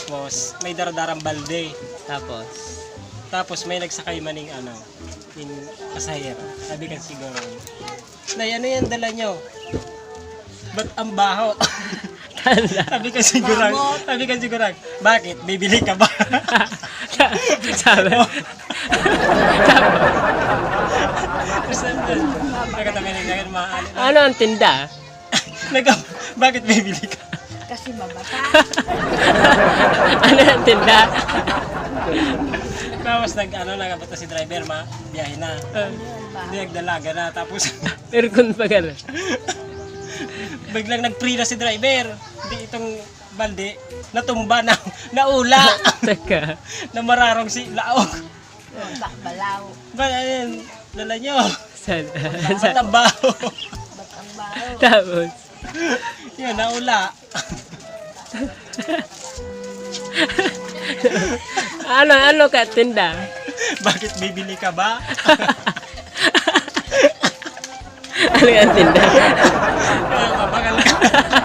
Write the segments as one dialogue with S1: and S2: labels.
S1: Tapos, may daradarang balde.
S2: Tapos,
S1: Tapos, may nagsakay maning yung pasahero. Sabi ka siguro, Nay, ano yan dala nyo? Ba't ang baho? sabi ka siguro, bakit? Bibili ka ba?
S2: sabi,
S1: Nagkatabi na maaali.
S2: ano ang tinda?
S1: Bakit bibili ka?
S3: Kasi mabata.
S2: Ano ang tinda?
S1: Tapos nagabot si driver, biyahe na. Hindi nagdalaga na. Tapos,
S2: Aircon pa gano'n.
S1: biglang nag-free na si driver. Hindi itong balde, natumba na, naula.
S2: Teka.
S1: Na mararong si Laog.
S3: Balaw.
S1: Ba, ayun, dala nyo.
S2: Saan?
S1: Ba't ang baho?
S3: Ba't ang baho?
S2: Tapos,
S1: Yun, naula.
S2: ano ka tinda?
S1: Bakit bibili ka ba?
S2: Ano ang tinda?
S1: Mabagal ka.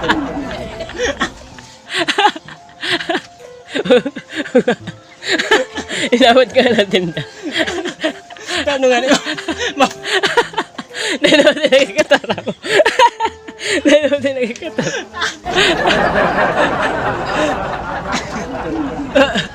S2: Inabot ka ng tinda.
S1: Paano nga nyo?
S2: Dahil din nagkakataraw. Dahil din nagkakataraw.